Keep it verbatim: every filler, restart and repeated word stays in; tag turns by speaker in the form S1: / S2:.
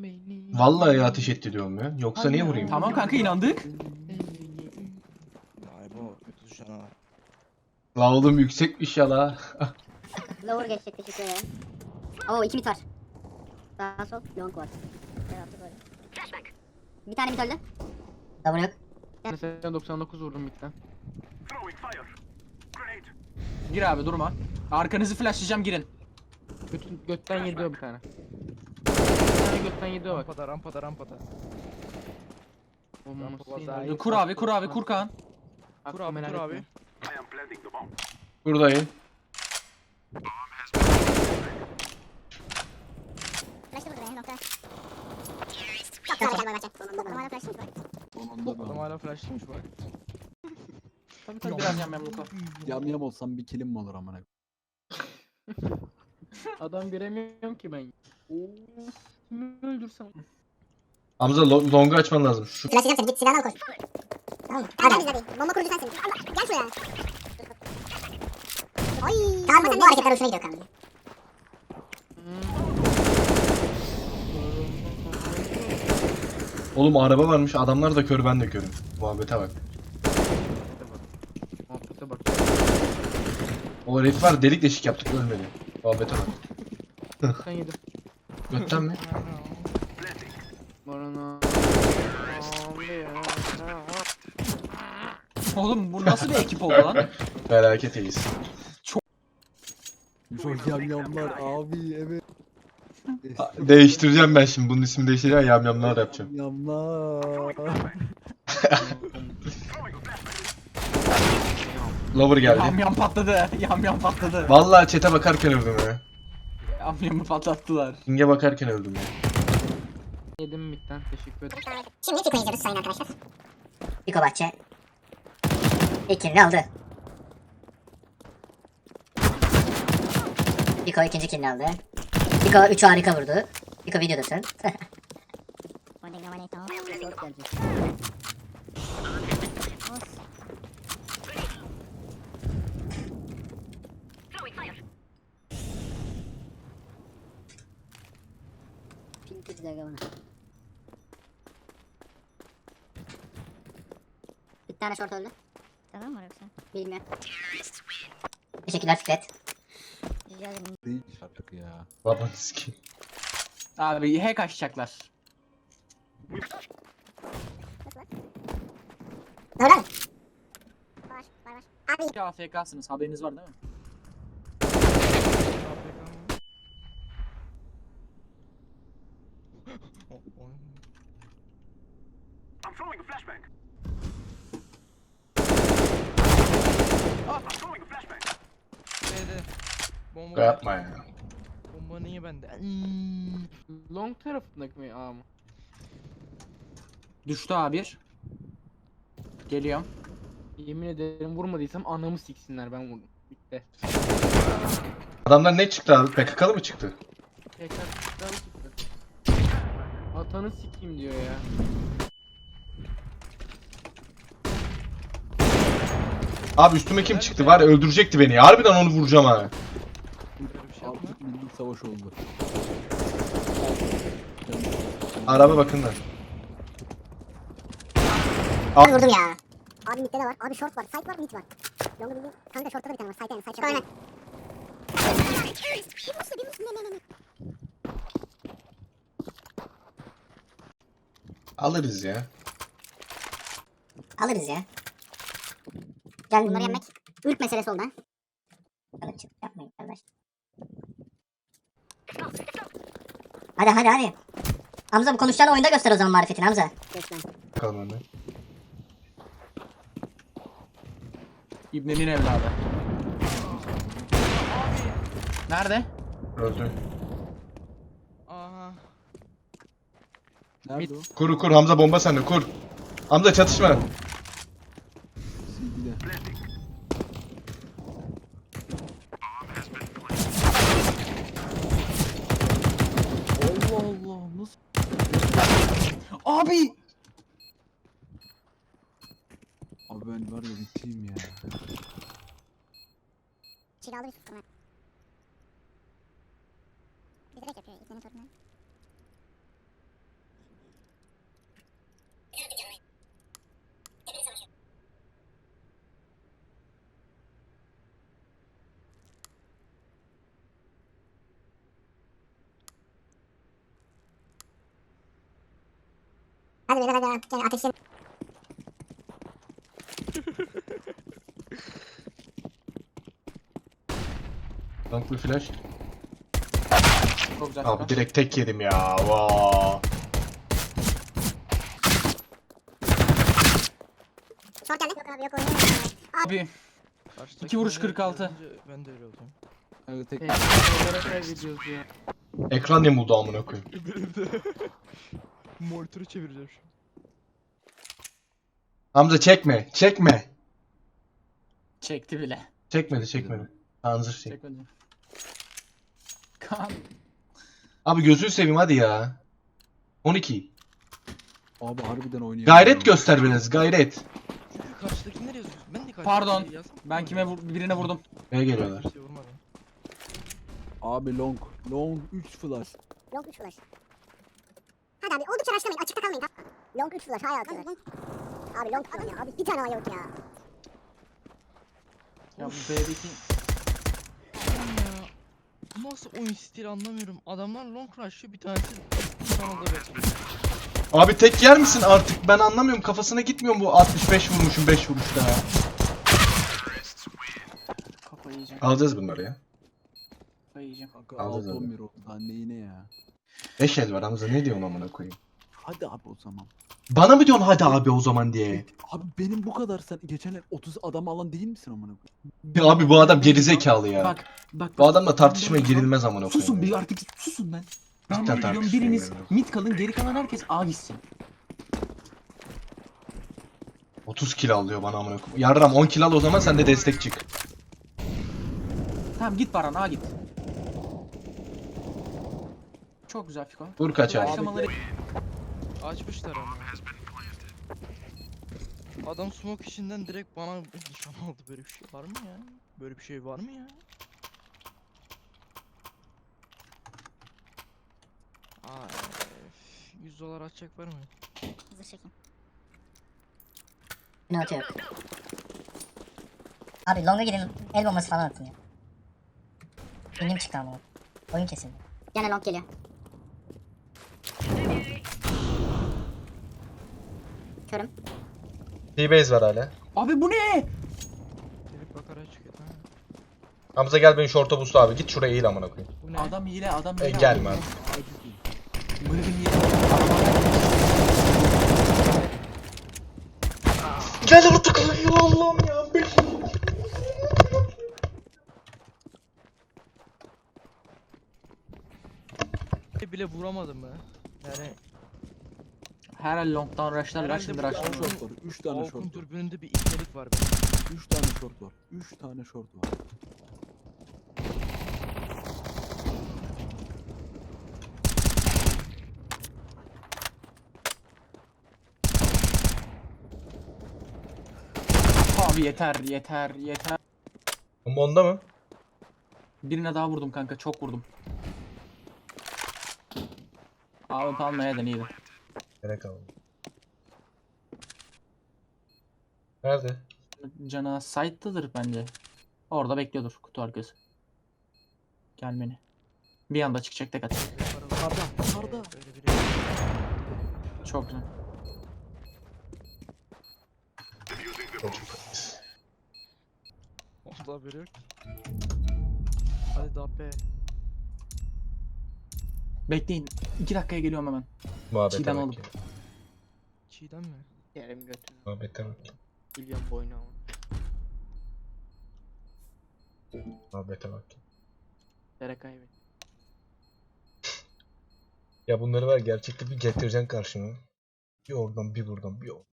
S1: Vallahi ateş etti diyorum ya. Yoksa niye vurayım?
S2: Tamam kanka inandık.
S3: Vay bu kötü düşen ha.
S1: La oğlum yüksekmiş ya la.
S4: Lower geçecek, teşekkür ederim. Oo iki mit var. Sağ sol long var. Tarafta böyle. Bir tane mit öldü. Lower yok.
S2: Mesela doksan dokuz vurdum bitten. Gir abi durma. Arkanızı flashlayacağım girin. Götün, götten yedi o bir tane. Bir tane götten yedi o bak.
S3: Rampada rampada rampada.
S2: Olması. Kur abi kur abi kur Kaan.
S3: Kur abi kur abi.
S1: Buradayım.
S4: Flash'ta burada benim nokta. Çok güzel galiba bence. Normalde flash'mış bak.
S3: Adam hala flashlıymış bak.
S2: Tabii tabii biraz yam yam Luka.
S5: Yam yam olsam bir kilim mi olur amına?
S2: Adam göremiyorum ki ben. Oo. Kimi öldürsem.
S1: Hamza lo- longu açman lazım. Şu
S4: Flash'layacağım seni, git silahını al koş. Tamam mı? Hadi. Hadi hadi. Bomba kurucu sensin. Gel şuraya. Ay. Tamam bu, bu hareketler hoşuna gidiyor kanka.
S1: oğlum araba varmış. Adamlar da kör, ben de körüm. Muhabbete bak.
S2: Muhabbete bak.
S1: O herif var, delik deşik yaptık, ölmedi. Muhabbete bak.
S2: Sen yedi.
S1: Götten mi?
S2: Barana. Oğlum bu nasıl bir ekip oldu lan?
S1: Felaket iyiyiz.
S5: Çok yam yamlar abi evet.
S1: Değiştireceğim ben şimdi. Bunun ismini değiştireceğim. Yamyamlar yapacağım.
S5: Yamlar.
S1: Lover
S2: Yam
S1: geldi.
S2: yam patladı. Yam yam patladı.
S1: Vallahi chat'e bakarken öldüm ya.
S2: Yam yamı patlattılar.
S1: King'e bakarken öldüm ya.
S2: Yedim bitten teşekkür ederim.
S4: Şimdi Fiko izliyoruz sayın arkadaşlar. Fiko Bahçe. İlk kilini aldı. Fiko ikinci kilini aldı. Fiko üç harika vurdu. Fiko videodasın. Bir tane short öldü.
S6: Tamam mı yoksa?
S4: Bilmiyorum. Teşekkürler Fikret.
S6: Rica ederim.
S5: Değil artık ya.
S1: Babanız ki.
S2: Abi hack açacaklar.
S4: Ne öyle mi? Var var var. Abi.
S2: A F K'sınız haberiniz var değil mi?
S3: B'de. Bomba
S1: Yapma ya.
S3: Bomba niye bende? Hmm.
S2: Long tarafındaki mi A mı? Düştü A bir. Geliyorum. Yemin ederim vurmadıysam anamı siksinler ben vurdum. Bitti.
S1: Adamlar ne çıktı abi? P K K'lı mı çıktı?
S2: Tekrar çıktı çıktı. Atanı sikeyim diyor ya.
S1: Abi üstüme kim çıktı? Var ya, öldürecekti beni ya. Harbiden onu vuracağım ha.
S3: Böyle bir şey yapma.
S5: Artık milli savaş oldu.
S1: Araba bakın da.
S4: Abi vurdum ya. Abi midde de var. Abi short var. Side var, mid var. Longu bildiğin. Kanka shortta da bir tane var. Side yani. Side short. Bir muslu bir muslu. Ne ne ne.
S1: Alırız ya.
S4: Alırız ya. Gel bunları yemek. Ülk meselesi oldu ha. Hadi çık yapmayın kardeş. Hadi hadi hadi. Hamza bu konuşacağını oyunda göster o zaman marifetini Hamza. Göster.
S1: Bakalım öyle.
S2: İbnenin evladı. Nerede?
S1: Öldü.
S3: Aha.
S5: Nerede o?
S1: Kur kur Hamza, bomba sende, kur. Hamza çatışma.
S5: C D'de. Allah Allah nasıl?
S2: Abi!
S5: Abi ben var ya biteyim ya.
S4: Çiğ aldı bir sustum ha. Bir direkt yapıyor. İplerin sorunu. Hadi beyler hadi hadi. Yani ateşleyin.
S1: Long bir flash.
S2: Çok güzel.
S1: Abi direkt tek yedim ya. Vaa.
S4: Short geldi. Yok abi yok oynuyor.
S2: Abi.
S3: Karşıdaki
S2: İki vuruş
S3: bana
S2: kırk altı.
S3: yazınca Ben de öyle oldum.
S5: Kanka tek
S2: Olarak kaybediyoruz ya.
S1: Ekran ne buldu amına koyayım.
S3: Benim de. Monitörü çevireceğim şu.
S1: Hamza çekme. Çekme.
S2: Çekti bile.
S1: Çekmedi çekmedi. Tanzır çek.
S2: Çekmedi. Kan.
S1: Abi gözünü seveyim hadi ya. on iki.
S5: abi harbiden oynuyor.
S1: Gayret göster biraz gayret.
S3: Çünkü karşıdakileri yazıyorsun. Ben de karşıdakileri
S2: Pardon.
S3: yazsam.
S2: Ben kime vur birine vurdum.
S1: Neye geliyorlar?
S3: Kimseye vurmadım.
S5: Abi long. Long üç flash.
S4: Long üç flash. Hadi abi oldukça rushlamayın. Açıkta kalmayın. Long üç flash. Hay atıyorlar. Abi long falan ya. Abi bir tane A yok ya.
S2: Ya bu B'deki
S3: Oğlum ya. Bu nasıl oyun stili anlamıyorum. Adamlar long rush'ıyor, bir tanesi kanalda bekliyor.
S1: Abi tek yer misin artık? Ben anlamıyorum. Kafasına gitmiyor mu bu altmış beş vurmuşum beş vuruşta.
S2: kafayı yiyeceğim.
S1: Alacağız bunları ya.
S2: Kafayı yiyeceğim.
S5: Kanka
S1: Alacağız
S5: altı
S1: abi.
S5: on bir oldu. Daha neyine ya.
S1: beş el var Hamza ne diyorsun amına koyayım?
S5: Hadi abi o zaman.
S1: Bana mı diyorsun hadi abi o zaman diye?
S5: Abi benim bu kadar sen geçen el otuz adam alan değil misin amına koyayım?
S1: Ya abi bu adam gerizekalı ya.
S2: Bak bak.
S1: Bu adamla
S2: bak,
S1: tartışmaya
S2: bak,
S1: girilmez amına
S2: Susun
S1: koyayım.
S2: bir artık susun lan. Ben
S1: Cidden
S2: de diyorum
S1: tartışmaya
S2: biriniz
S1: girilmez.
S2: mid kalın geri kalan herkes A gitsin.
S1: otuz kill alıyor bana amına koyayım. Yarram on kill al o zaman sen de destek çık.
S2: Tamam git Baran A git. Çok güzel Fiko.
S1: Vur kaç abi.
S2: Başlamaları
S3: Açmışlar ama. Adam smoke içinden direkt bana nişan aldı. Böyle bir şey var mı ya? Böyle bir şey var mı ya? Ay, yüz dolar atacak var mı?
S6: Hızlı çekin.
S4: Ne atıyor? Abi longa gidin. El bombası falan atın ya. Benim çıktı ama. Oyun kesildi. Gene long geliyor. Körüm.
S1: T-base var hala.
S2: Abi bu ne?
S3: Gelip bakarak çıkıyor tamam.
S1: Hamza gel beni short'a boost abi. Git şuraya eğil amına koyayım.
S3: Bu ne?
S2: Adam hile adam
S1: E,
S2: hile.
S1: gelme abi.
S2: Böyle bir hile.
S1: Gel artık ya Allah'ım ya.
S3: bile vuramadım be. Yani
S2: Her long'dan rushlarlar
S3: Herhalde
S2: şimdi
S3: bu
S2: rushlar.
S3: Avrupa-
S5: Short var. üç tane
S3: Avuk'un
S5: short var.
S3: türbününde bir ipnelik var be.
S5: üç tane short var. üç tane short var.
S2: Abi yeter yeter yeter.
S1: Bomba onda mı?
S2: Birine daha vurdum kanka çok vurdum. Abi almaya da iyiydi.
S1: Gerek aldım. Nerede?
S2: Cana site'dadır bence. Orada bekliyordur kutu arkası. Gelmeni. Bir anda çıkacak tek at.
S5: Yukarıda. Yukarıda.
S3: Böyle biri.
S2: Çok güzel.
S3: Onda haberi yok. Hadi daha be.
S2: Bekleyin. iki dakikaya geliyorum hemen.
S1: Muhabbete
S2: Çiğdem
S1: bak
S2: oğlum.
S1: ya.
S3: Çiğdem mi?
S7: Yerim götünü.
S1: Muhabbete bak.
S7: Milyon boynu ama.
S1: Muhabbete bak.
S7: Dere kaybet.
S1: Ya bunları var gerçekten bir getireceksin karşıma. Bir oradan bir buradan bir oradan.